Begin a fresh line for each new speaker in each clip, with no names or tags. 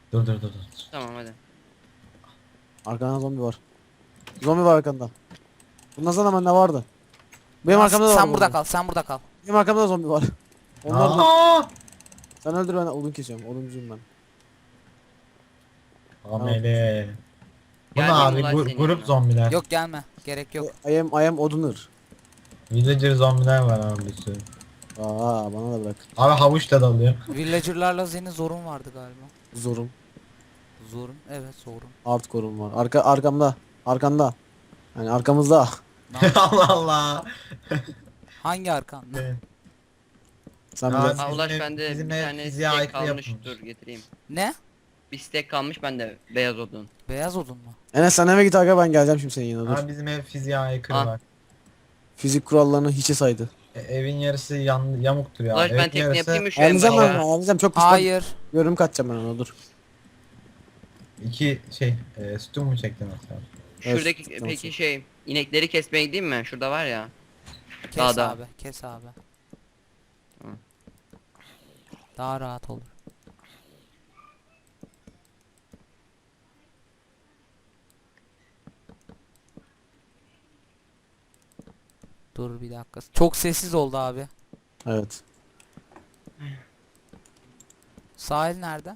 Dur.
Tamam hadi.
Arkanda zombi var. Zombi var arkanda. Bundan sonra bende vardı. Benim
Renas,
arkamda da var.
sen burada
zombi.
kal, sen burada kal.
Benim arkamda da zombi var. Onlar da.
Aa!
Sen öldür, ben odun kesiyorum. Oduncuyum ben.
Amele. Bu ne
Geldim
abi?
ulan senin
Grup
yanına.
zombiler.
Yok gelme, gerek yok.
I am oduner.
Villager zombiler var abi bir sürü.
Aa, bana da bırak.
Abi havuç da dalıyor.
Villager'larla senin zorun vardı galiba.
Zorum.
Zorun, evet zorun.
Hardcore'um var. Arkamda. Arkanda. Yani arkamızda.
Allah Allah.
Hangi arkan?
Evet.
Sen
Aa,
biraz.
Ha Ulaş
Bizim
bende
bizim
bir
ev
tane
fiziğe
steak
aykırı
kalmış.
yapılmış.
Dur getireyim.
Ne?
Bir steak kalmış bende beyaz odun.
Beyaz odun mu?
Enes sen eve git aga, ben geleceğim şimdi senin yanına, dur.
Abi bizim ev fiziğe aykırı
Ah.
var.
Fizik kurallarını hiçe saydı.
Evin yarısı yamuktur ya.
Ulaş ben
Evin
tekne
yarısı
yapayım mı şu en
Ağlayacağım ben,
başa?
ağlayacağım çok pis.
Hayır.
Görüm kaçacağım ben ona, dur.
iki sütun mu çektin mesela?
Şuradaki
Evet,
peki inekleri kesmeye gideyim mi? Şurada var ya.
Kes
Dağda.
abi, kes abi.
Hı.
Daha rahat olur. Dur bir dakika. Çok sessiz oldu abi.
Evet.
Sahil nerede?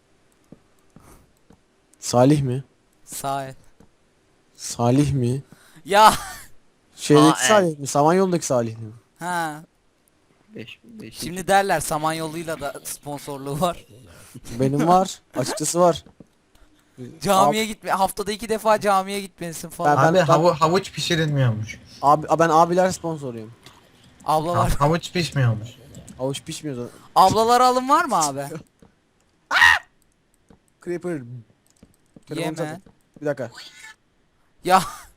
Salih mi?
Sahil.
Salih mi?
Ya.
Şeydeki
evet.
Salih mi? Samanyolu'daki Salih mi?
Ha.
5
Şimdi derler Samanyolu'yla da sponsorluğu var.
Benim var. Açıkçası var.
Camiye gitme. Haftada 2 defa camiye gitmelisin falan.
Ben-
Abi havuç pişirilmiyormuş.
Ben abiler sponsoruyum.
Ablalar.
Havuç pişmiyormuş.
Avuç pişmiyor zaten.
Ablalara alım var mı abi?
Creeper. Telefonu
Yeme.
satın. Bir dakika.
Ya.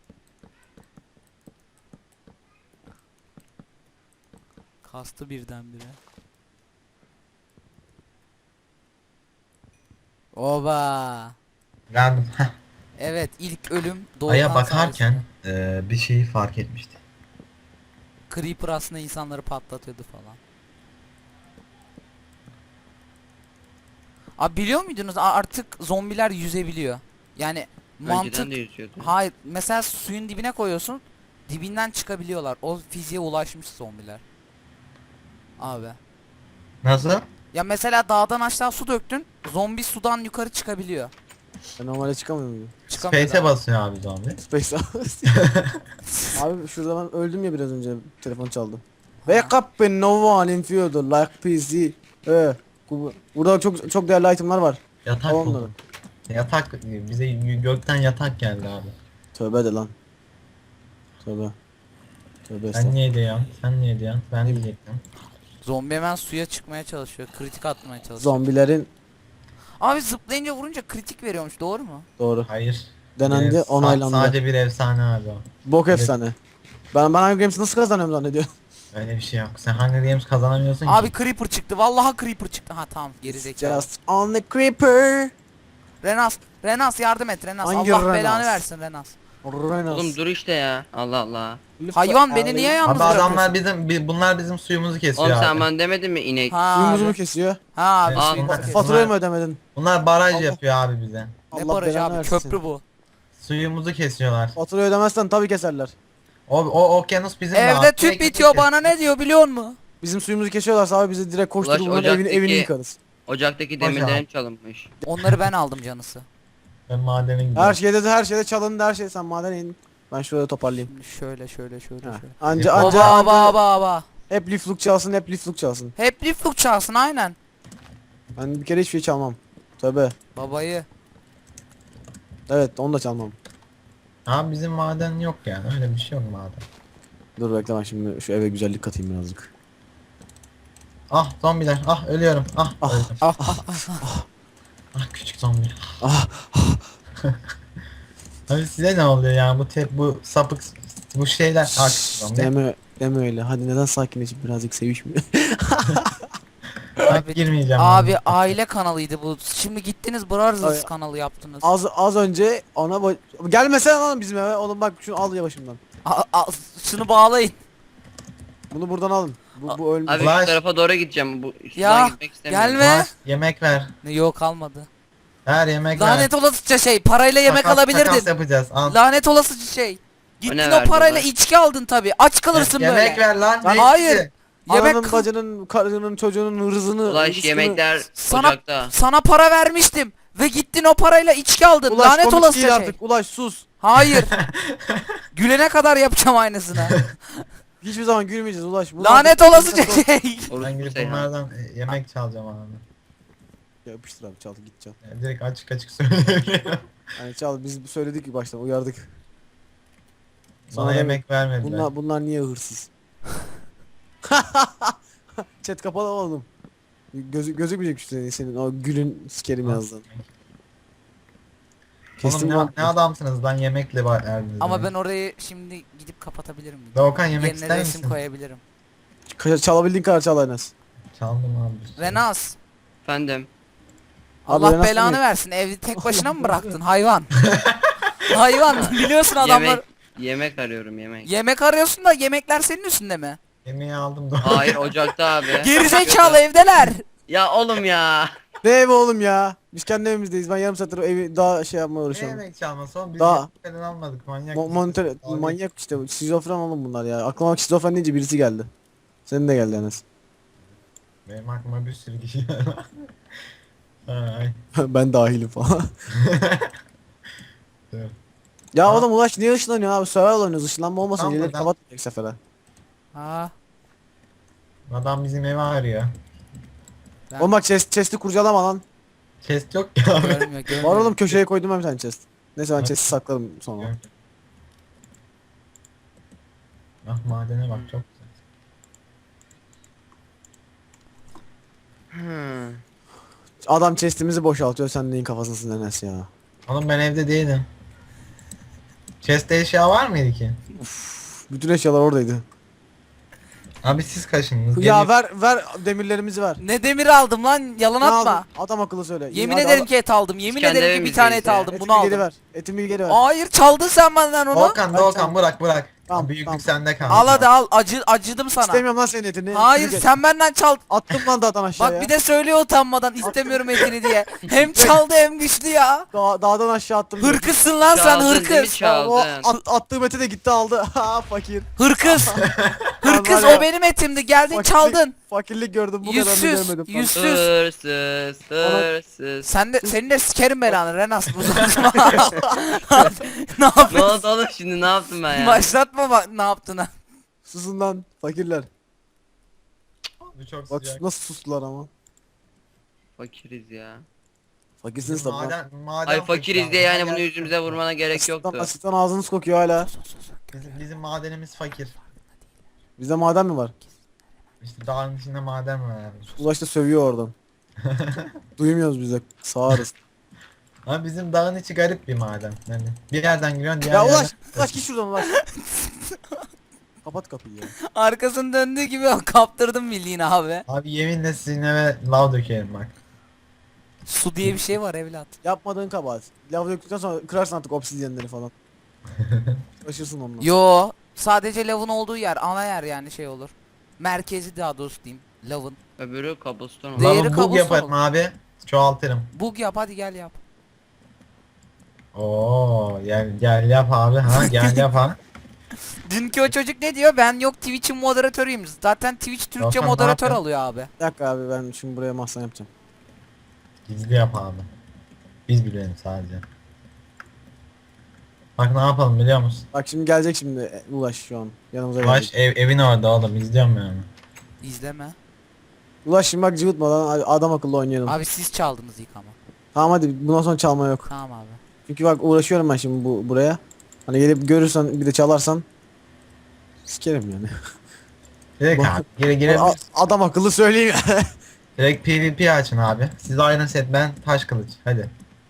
Kastı birdenbire. Oba.
Geldim.
Evet, ilk ölüm doğudan
Aya bakarken bir şeyi fark etmiştim.
Creeper aslında insanları patlatıyordu falan. Abi biliyor muydunuz artık zombiler yüzebiliyor. Yani
Önceden
mantık.
de yüzüyordu.
Hayır, mesela suyun dibine koyuyorsun, dibinden çıkabiliyorlar. O fiziğe ulaşmış zombiler. Abi.
Nasıl?
Ya mesela dağdan aşağı su döktün, zombi sudan yukarı çıkabiliyor.
Ben normalde çıkamıyor muyum?
Çıkamıyor
Space'e
daha.
basıyor abi zombi.
Space Abi şurada ben öldüm ya biraz önce, telefon çaldı. Wake up when no one in field like PC. Burada çok değerli itemler var.
Yatak
Al onları.
buldum. Yatak bize gökten yatak geldi abi.
Tövbe de lan. Tövbe. Tövbe
Sen
estağfurullah.
niye diyorsun? Sen niye diyorsun? Ben diyecektim.
Zombi hemen suya çıkmaya çalışıyor, kritik atmaya çalışıyor.
Zombilerin
Abi zıplayınca vurunca kritik veriyormuş, doğru mu?
doğru.
Hayır.
Denendi, onaylandı.
Sadece bir efsane abi o.
Bok
Evet.
efsane. Ben Hunger Games'i nasıl kazanıyorum zannediyorum.
Öyle bir şey yok. Sen Hunger Games kazanamıyorsun
Abi
ki.
creeper çıktı, vallahi creeper çıktı. Ha tamam, geri zekalı.
Just on the creeper.
Renas yardım et Renas.
Hangi
Allah
Renas?
belanı versin Renas.
Oğlum dur işte ya. Allah Allah.
Hayvan beni niye yalnız
Abi adamlar
bırakıyorsun?
bunlar bizim suyumuzu kesiyor
Oğlum
abi.
sen bana demedin mi inek?
Ha
Suyumuzu mu
abi.
kesiyor?
Ha abi
Evet,
suyumuzu
bunlar-
kes.
Faturayı mı ödemedin?
Bunlar baraj
Allah.
yapıyor abi bize.
Ne barajı
belanı
abi,
versin.
köprü bu.
Suyumuzu kesiyorlar.
Faturayı ödemezsen tabii keserler.
O okyanus bizim de
Evde
abi.
tüp
Sürekli
bitiyor,
kes-
bana ne diyor biliyor musun?
Bizim suyumuzu kesiyorlarsa abi bizi direkt koşturup
Ulaş,
bunların evini
ocaktaki-
yıkarız.
Ocaktaki
Boş
demirlerim
abi.
çalınmış.
Onları ben aldım canısı.
Ben madene gidiyorum.
Her şeyde çalındı, her şey, sen madene in. Ben şurada toparlayayım.
Şimdi şöyle şöyle.
Ha.
şöyle.
Anca
Aba.
hep lifluk çalsın, hep lifluk çalsın.
Hep lifluk çalsın aynen.
Ben bir kere hiçbir şey çalmam. Tövbe.
Babayı.
Evet, onu da çalmam.
Abi bizim maden yok yani. Öyle bir şey yok maden.
Dur bekle, ben şimdi şu eve güzellik katayım birazcık.
Ah zombiler. Ah ölüyorum. Ah,
Ah,
öldüm.
Ah,
Ah küçük zombi.
Ah,
Abi size ne oluyor ya? Bu sapık bu şeyler. Ah küçük zombi.
deme öyle. Hadi neden sakinleşip birazcık sevişmiyor?
Ben
Abi-
girmeyeceğim.
Abi aile kanalıydı bu. Şimdi gittiniz Brothers
Ay-
kanalı yaptınız.
az önce gelmesene lan bizim eve. Oğlum bak şunu al ya başımdan.
Şunu bağlayın.
Bunu buradan alın. Bu ölmüş.
Abi
Ulaş.
şu tarafa doğru gideceğim. Bu
Ya,
gitmek istemiyorum.
gelme.
Yemek ver.
Ne yok kalmadı.
Her yemek
Lanet olasıca şey, parayla yemek
Takas
alabilirdin.
yapacağız. Al.
Lanet olasıca şey. Gittin
ne
o
verdi
parayla
ulan?
içki aldın tabi. Aç kalırsın böyle.
Yemek ver lan. ne
Hayır.
içti?
Yemek
Ananın, bacının, karının, çocuğunun hırzını...
Ulaş
rızkını-
yemekler
sana
ocakta.
sana para vermiştim ve gittin o parayla içki aldın.
Ulaş
Lanet
komik değil
olasıca şey.
artık. Ulaş sus.
Hayır. Gülene kadar yapacağım aynısını.
Hiçbir zaman gülmeyeceğiz Ulaş. Bunlar-
Lanet olasıca şey.
Ben
Orospu
gidip
Seyhan.
bunlardan yemek çalacağım abi.
Yapıştır abi, çal git çal.
Yani direkt açık açık söyleyebilirim.
Yani çal, biz söyledik ki baştan, uyardık.
Bana
Sonra
yemek vermediler.
bunlar niye hırsız? Chat kapalı oğlum. Gözükmeyecek işte senin o gülün sikerim yazdın.
Oğlum
Kestim
ne,
lan.
ne adamsınız lan yemekle verdiniz.
Ama
beni.
ben orayı şimdi gidip kapatabilirim.
Doğukan yemek
Yerine
ister
resim
misin?
koyabilirim.
Çalabildiğin kadar çal Enes.
Çaldım abi.
Renas.
Efendim.
Allah
Renas
belanı
ne?
versin. Evde tek başına mı bıraktın hayvan? Hayvan, biliyorsun adamlar.
Yemek arıyorum yemek.
Yemek arıyorsun da yemekler senin üstünde mi?
Yemeği aldım da.
Hayır ocakta abi.
Gerizekalı evdeler.
Ya oğlum ya.
Ne evi oğlum ya? Biz kendi evimizdeyiz. Ben yarım saattir evi daha şey yapmaya
Ne
uğraşıyorum.
yemek çalması oğlum? Biz
Daha-
yemek falan almadık manyak. mısın?
Monitör
Abi,
manyak işte. Şizofren oğlum bunlar ya. Aklıma şizofren deyince birisi geldi. Senin de geldi Enes.
Benim aklıma bir sürü kişi geldi. Ay.
Ben dahilim falan.
Dur.
Ya
Ha?
oğlum Ulaş niye ışınlanıyor abi? Survival oynuyoruz. Işınlanma olmasın.
Tamam,
Gelir
ben-
kapatmayacak sefere.
Ha.
Adam bizim evi arıyor.
Ben-
Oğlum bak chest'i kurcalama lan.
Chest yok ya abi.
Görmüyor, görmüyor.
Var oğlum, köşeye koydum ben bir tane chest. Neyse ben chest'i saklarım sonra.
Ah madene bak çok güzel.
Hmm.
Adam chest'imizi boşaltıyor, sen neyin kafasındasın Enes ya.
Oğlum ben evde değilim. Chest'te eşya var mıydı ki?
Bütün eşyalar oradaydı.
Abi siz kaşındınız.
Ya ver demirlerimizi ver.
Ne demir aldım lan, yalan
Ne
atma.
aldın? Adam akıllı söyle.
Yemin
Hadi
ederim
al-
ki et aldım. Yemin
kendi
ederim ki bir
evimizdeyiz
tane et
ya.
aldım.
Etimi
Bunu
geri
aldım.
ver. Etimi geri ver.
Hayır, çaldın sen benden onu.
Doğukan
Hadi
Doğukan
tamam.
bırak.
Tamam,
Büyüklük
tamam.
sende kaldı.
Al hadi al. Acıdım sana.
İstemiyorum lan senin etini.
Hayır,
Etimi
sen benden çaldın.
attım lan dağdan aşağıya.
Bak bir de söylüyor utanmadan istemiyorum etini diye. Hem çaldı hem güçlü ya.
Dağdan aşağı attım.
Hırkızsın lan sen,
Çaldın değil mi?
hırkız.
Çaldın.
Attığım eti de gitti aldı. Ha fakir.
Hırkız. Hırkız,
Var ya.
o benim etimdi. Geldin
Fakirlik-
çaldın.
Fakirlik gördüm, bu kadarını
Yüzsüz.
görmedim.
Yüzsüz.
Hırsız. Hırsız.
Senin de sikerim belanı Renas. Bu saçma. Ne
Ne
yapıyorsun?
oldu oğlum şimdi ne yaptım ben ya?
Başlatma bak ne yaptığını.
Susun lan fakirler.
Bu çok
Bak
sıcak.
nasıl sustular ama.
Fakiriz ya.
Fakirsiniz tabi lan.
Maden
Ay fakiriz diye yani bunu
Maden-
yüzümüze vurmana gerek
Asitten,
yoktu.
asitten ağzınız kokuyor hala.
Bizim madenimiz fakir.
Bizde maden mi var?
İşte dağın içinde maden var abi.
Ulaş da sövüyor oradan. Duymuyoruz biz de. Sağırız.
Ama bizim dağın içi garip bir maden. Yani bir yerden giriyorsun diğer
Ya
yerden.
Ulaş git şuradan Ulaş. Kapat kapıyı ya.
Arkasını döndüğü gibi kaptırdım bildiğin abi.
Abi yeminle sizin eve lav dökerim bak.
Su diye bir şey var evlat.
Yapmadığın kabahat. Lava döktükten sonra kırarsın artık obsidyenleri falan. Taşırsın onunla.
Yo, sadece lavın olduğu yer, ana yer yani şey olur. Merkezi daha doğrusu diyeyim. Lavın.
Öbürü kabuston
Değeri
olur.
Lavı bug
kabus
yaparım
olur.
abi. Çoğaltırım.
Bug yap, hadi gel yap.
Oo gel yap abi ha gel yap ha.
Dünkü o çocuk ne diyor? Ben yok Twitch'in moderatörüyüm. Zaten Twitch Türkçe
Yok lan, ne
moderatör
yapıyorsun?
alıyor abi.
Bir dakika abi, ben şimdi buraya mahzen yapacağım.
Gizli yap abi. Biz bilelim sadece. Bak ne yapalım biliyor musun?
Bak şimdi gelecek şimdi Ulaş şu an. Yanımıza
Ulaş
gelecek.
evin orada oğlum izliyorum yani.
İzleme.
Ulaş şimdi bak cıvıtmadan adam akıllı oynayalım.
Abi siz çaldınız ilk ama.
Tamam hadi, bundan sonra çalma yok.
Tamam abi.
Çünkü bak uğraşıyorum ben şimdi buraya. Hani gelip görürsen bir de çalarsan sikerim yani.
Direkt abi gire
Adam akıllı söyleyeyim ya.
direkt PvP açın abi. Siz Iron Set ben taş kılıç hadi.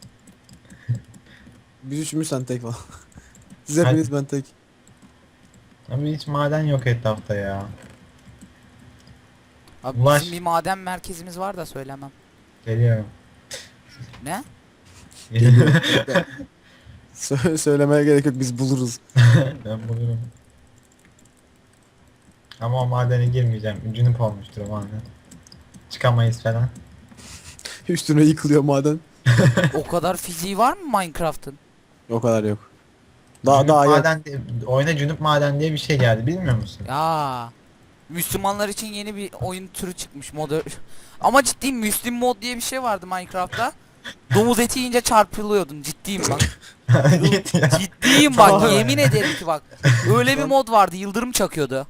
Biz üçümüz, sen tek falan. Siz hepiniz, ben tek.
Abi hiç maden yok etrafta ya.
Abi
Ulaş.
bizim bir maden merkezimiz var da söylemem.
Geliyorum.
Ne?
Söylemeye gerek yok, biz buluruz.
Ben bulurum. Ama o madene girmeyeceğim. Cünüp olmuştur o maden. Çıkamayız falan.
Üstüne yıkılıyor maden.
O kadar fiziği var mı Minecraft'ın?
O kadar yok. Daha
Cünüp
daha yok.
maden, oyuna Cünüp maden diye bir şey geldi, bilmiyor musun?
Ya Müslümanlar için yeni bir oyun türü çıkmış modern. Ama ciddiyim, Müslüm mod diye bir şey vardı Minecraft'ta. Domuz eti yiyince çarpılıyordun, ciddiyim bak.
Git ya.
Ciddiyim bak,
Tamam.
yemin ederim ki bak. Öyle bir mod vardı, yıldırım çakıyordu.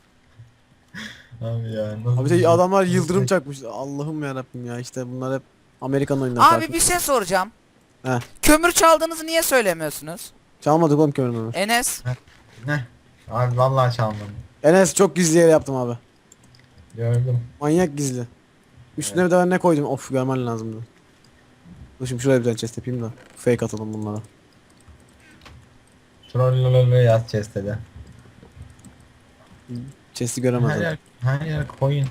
Abi ya. nasıl
Abi
bir şey?
adamlar yıldırım çakmış. Allah'ım ya Rabbim ya, işte bunlar hep Amerikan oyunları.
Abi bir şey soracağım.
He.
Kömür çaldığınızı niye söylemiyorsunuz?
Çalmadık oğlum kömürünü.
Enes,
Ne? Abi vallahi çalmadım.
Enes çok gizli yere yaptım abi.
Gördüm.
Manyak gizli. Üstüne bir de ne koydum? Of, görmen lazımdı. Dur şimdi şuraya bir tane chest yapayım da fake atalım bunlara.
Trollololo yaz chest'e.
Chest'i
Her
göremezler.
yer, her yer koyun.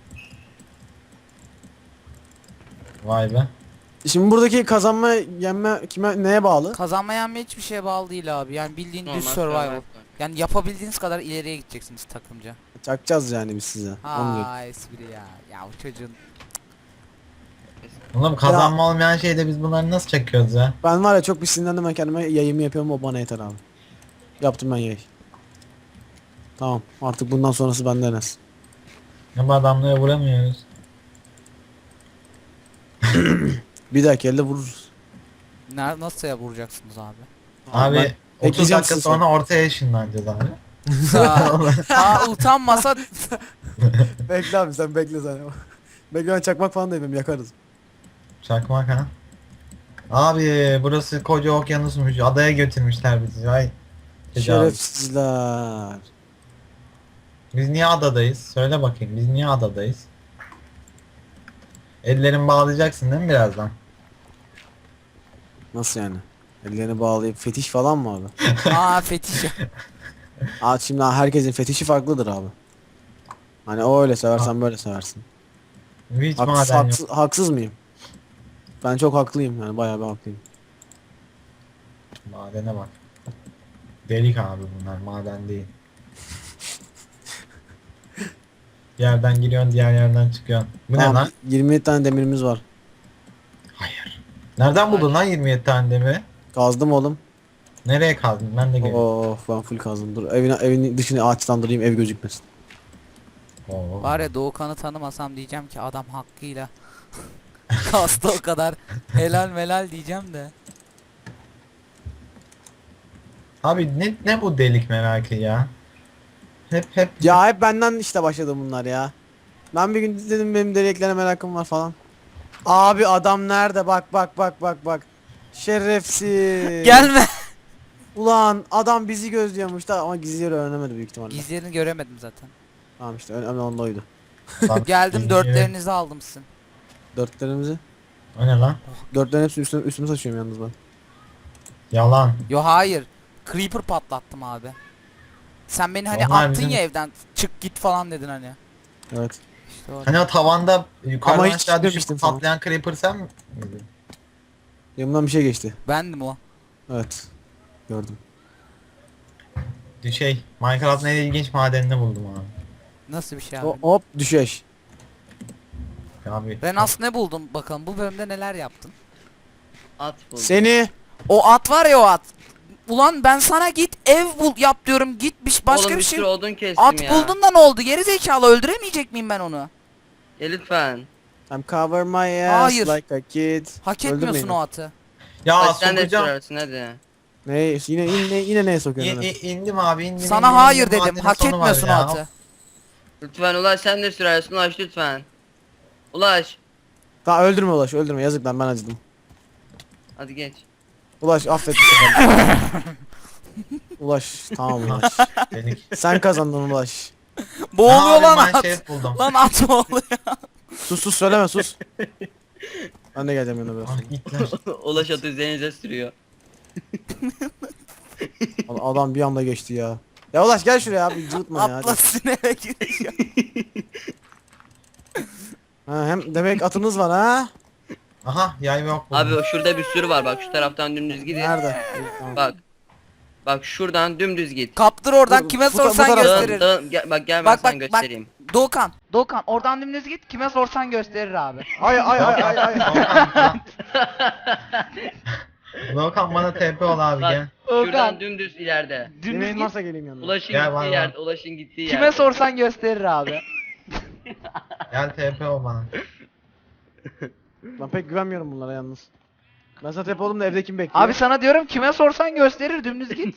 Vay be.
Şimdi buradaki kazanma yenme kime neye bağlı?
kazanma yenme hiçbir şeye bağlı değil abi. Yani bildiğin
Normal
düz survival.
survival.
Yani yapabildiğiniz kadar ileriye gideceksiniz takımca.
Çakacağız yani biz size. Onu diyorum.
Ha espri ya. Ya o çocuğun.
Oğlum kazanma olmayan şeyde biz bunları nasıl çekiyoruz ya?
Ben var ya çok bir sinirlendim, ben kendime yayımı yapıyorum, o bana yeter abi. Yaptım ben yayı. Tamam, artık bundan sonrası bende Enes.
Ama adamlara vuramıyoruz.
Bir dahaki elde vururuz.
Nasıl ya vuracaksınız abi?
Abi
Ben
30
ekleyeceğim
dakika
sizi
sonra ortaya ışınlanacağız abi.
Ha utanmasa
Bekle abi, sen bekle sen. Bekle, ben çakmak falan da yapayım, yakarız.
Çakmak ha. Abi burası koca okyanusmuş. Adaya götürmüşler bizi. Ay. Tecavüz.
Şerefsizler.
Biz niye adadayız? Söyle bakayım. Biz niye adadayız? Ellerimi bağlayacaksın değil mi birazdan?
Nasıl yani? Ellerini bağlayıp fetiş falan mı abi?
aa fetiş.
Aa, şimdi herkesin fetişi farklıdır abi. Hani o öyle seversen böyle seversin.
Hiç maden yok.
Haksız mıyım? Ben çok haklıyım yani, bayağı bir haklıyım.
Madene bak. Delik abi bunlar, maden değil. Bir yerden giriyorsun, diğer yerden çıkıyorsun. Bu ne
Tamam,
lan?
27 tane demirimiz var.
Hayır. Nereden buldun lan 27 tane demiri?
Kazdım oğlum.
Nereye kazdın? Ben de geliyorum.
Of, ben full kazdım. Dur evin dışını ağaçlandırayım, ev gözükmesin.
Oo.
Var ya Doğukan'ı tanımasam diyeceğim ki adam hakkıyla kastı o kadar. Helal melal diyeceğim de.
Abi ne bu delik merakı ya? Hep
Ya hep benden işte başladı bunlar ya. Ben bir gün dedim benim deliklere merakım var falan. Abi adam nerede? Bak bak bak bak bak. Şerefsiz.
Gelme.
Ulan adam bizi gözlüyormuş da ama gizli yeri öğrenemedi büyük ihtimalle.
Gizlerini göremedim zaten.
Tamam işte önemli olan da oydu.
Bak,
Geldim
gizli-
dörtlerinizi aldım sizin.
Dörtlerimizi.
O ne lan?
Dörtlerin hepsini üstüme saçıyorum yalnız ben.
Yalan.
Yo hayır. Creeper patlattım abi. Sen beni hani
Onlar
attın
bizim-
ya evden çık git falan dedin hani.
Evet.
İşte o.
Hani o tavanda yukarıdan
Ama hiç
aşağı düşüp
gitmemiştim falan.
patlayan creeper sen mi?
Yanımdan bir şey geçti.
Bendim o.
Evet. Gördüm.
Şey, Minecraft'ın en ilginç madenini buldum abi.
Nasıl bir şey abi?
Hop düşeş.
Abi.
Renas ne buldun bakalım bu bölümde neler yaptın?
At buldum.
Seni.
O at var ya o at. Ulan ben sana git ev bul yap diyorum gitmiş başka
Oğlum
bir
bir
şey.
sürü odun kestim
At
ya.
buldun da ne oldu? Geri zekalı öldüremeyecek miyim ben onu?
Ya lütfen.
I'm cover my ass
Hayır.
like a kid.
Hak
Öldürmeyin
etmiyorsun
beni.
o atı.
Ya
Hadi sen de
sokacağım.
sürersin hadi.
Ne yine neye sokuyorsun? Enes?
İndim abi indim.
Sana
indim,
hayır
indim.
dedim.
Madenin
Hak
sonu var
etmiyorsun o
ya.
atı.
Lütfen Ulaş sen de sürersin Ulaş lütfen. Ulaş.
Tamam öldürme Ulaş, öldürme, yazık lan, ben acıdım.
Hadi geç.
Ulaş affet bu sefer. Ulaş tamam Ulaş.
Delik.
Sen kazandın Ulaş.
Boğuluyor
Abi,
lan
ben
at.
şey buldum.
Lan at boğuluyor.
Sus söyleme sus. Ben de geleceğim yanına biraz
Ah
sonra.
gitler.
Ulaş atı üzerinize sürüyor.
Adam bir anda geçti ya. Ya Ulaş gel şuraya abi, cıvıtma ya.
Atla
Hadi.
sinere giriyor.
Ha, hem demek atınız var ha?
Aha yay ve ok buldum.
Abi şurada bir sürü var bak şu taraftan dümdüz gidin.
Nerede? Tamam.
Bak. Bak şuradan dümdüz git.
Kaptır oradan
Dur,
kime
bu
sorsan
tarafa.
Dağın,
gösterir.
dağın, gel, bak gel ben
Bak,
sana
bak,
göstereyim.
Doğukan. Doğukan oradan dümdüz git. Kime sorsan gösterir abi.
Ay ay ay ay ay.
Doğukan bana TP ol abi
Bak,
gel.
Şuradan dümdüz ileride.
Yemeğin
Dümdüz
varsa
git.
geleyim yanına.
Ulaşın
Gel
gittiği
bana.
yerde, Ulaşın gittiği yerde.
Kime sorsan gösterir abi.
Gel TP ol bana.
Ben pek güvenmiyorum bunlara yalnız. Ben sana tepe oldum da evde kim bekliyor?
Abi sana diyorum kime sorsan gösterir dümdüz git.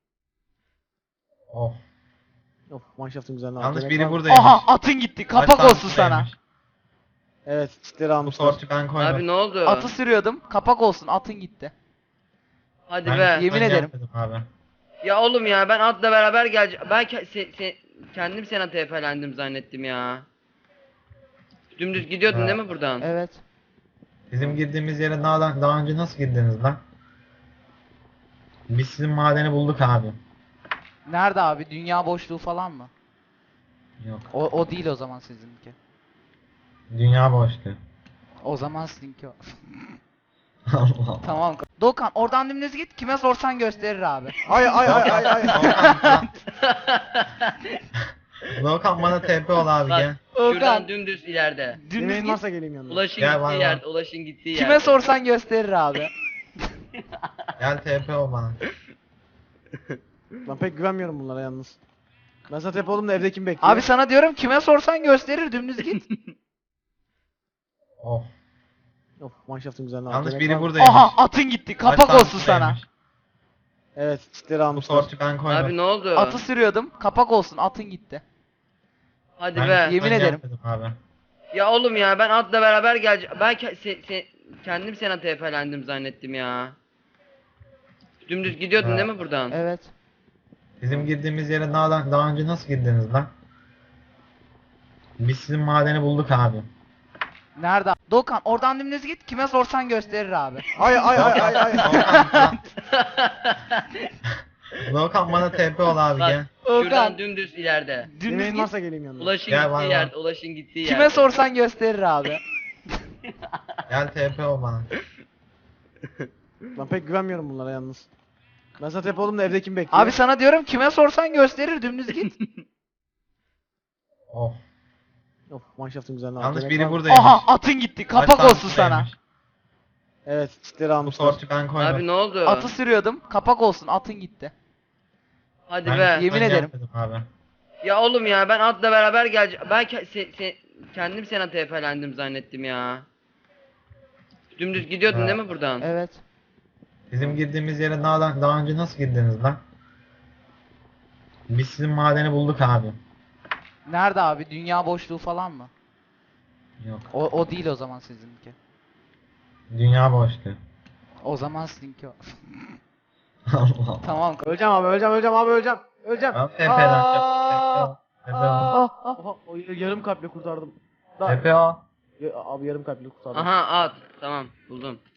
Of.
Of manşaftın güzelliğine bak.
Yalnız
Yemek
biri
var mı?
buradaymış.
Aha atın gitti.
Kaç
Kapak
tane
olsun sana.
buradaymış?
Evet çitleri
Bu
almışlar.
tortu ben koydum.
Abi ne oldu?
Atı sürüyordum. Kapak olsun atın gitti.
Hadi
Ben
be.
zaten
yemin ederim.
gelmedim Abi.
Ya oğlum ya ben atla beraber geleceğim. Ben kendim sana TP'lendim zannettim ya. Dümdüz gidiyordun
Ha.
değil mi buradan?
Evet.
Bizim girdiğimiz yere daha önce nasıl girdiniz lan? Biz sizin madeni bulduk abi.
Nerede abi? Dünya boşluğu falan mı?
Yok.
O değil o zaman sizinki.
Dünya boştu.
O zaman sizinki o.
Allah Allah.
Tamam. Doğukan oradan dümdüz git. Kime sorsan gösterir abi.
Ay ay ay ay ay.
Doğukan bana TP ol abi
Bak,
gel.
Şuradan dümdüz ileride.
Dümdüz
Yemeğin
git.
varsa geleyim yanına.
Ulaşın
Gel
gittiği
bana.
yerde, Ulaşın gittiği yerde.
Kime sorsan gösterir abi.
Gel TP ol bana.
Ben pek güvenmiyorum bunlara yalnız. Ben sana tepe oldum da evde kim bekliyor?
Abi sana diyorum kime sorsan gösterir dümdüz git.
Of.
Of manşaftın güzelliğine bak.
Yalnız
Yemek
biri
var mı?
buradaymış.
Aha atın gitti.
Kaç
Kapak
tane
olsun sana.
buradaymış?
Evet çitleri
Bu
almışlar.
tortu ben koydum.
Abi ne oldu?
Atı sürüyordum. Kapak olsun atın gitti.
Hadi
Ben
be.
zaten
yemin ederim.
gelmedim Abi.
Ya oğlum ya ben atla beraber geleceğim. Ben kendim sana TP'lendim zannettim ya. Dümdüz gidiyordun
Ha.
değil mi buradan?
Evet.
Bizim girdiğimiz yere daha önce nasıl girdiniz lan? Biz sizin madeni bulduk abi.
Nerede? Doğukan oradan dümdüz git. Kime sorsan gösterir abi.
Ay ay ay ay ay.
Doğukan bana TP ol abi
Bak,
gel.
Şuradan dümdüz ileride.
Dümdüz
Yemeğin
git.
varsa geleyim yanına.
Ulaşın
Gel
gittiği
bana.
yerde, Ulaşın gittiği yerde.
Kime sorsan gösterir abi.
Gel TP ol bana.
Ben pek güvenmiyorum bunlara yalnız. Ben sana tepe oldum da evde kim bekliyor?
Abi sana diyorum kime sorsan gösterir dümdüz git.
Of.
Of manşaftın güzelliğine bak.
Yalnız
Yemek
biri
var mı?
buradaymış.
Aha atın gitti.
Kaç
Kapak
tane
olsun sana.
buradaymış?
Evet çitleri
Bu
almışlar.
tortu ben koydum.
Abi ne oldu?
Atı sürüyordum. Kapak olsun atın gitti.
Hadi
Ben
be.
zaten
yemin ederim.
gelmedim Abi.
Ya oğlum ya ben atla beraber geleceğim. Ben kendim sana TP'lendim zannettim ya. Dümdüz gidiyordun
Ha.
değil mi buradan?
Evet.
Bizim girdiğimiz yere daha önce nasıl girdiniz lan? Biz sizin madeni bulduk abi.
Nerede abi? Dünya boşluğu falan mı?
Yok.
O değil o zaman sizinki.
Dünya boştu.
O zaman sizinki o.
Allah Allah.
Tamam.
Öleceğim abi öleceğim abi öleceğim. Öleceğim.
Abi TP'den
Aa!
TP ol.
Oha, o yarım kalple kurtardım.
TP ol.
Abi yarım kalple kurtardım.
Aha at. Tamam buldum.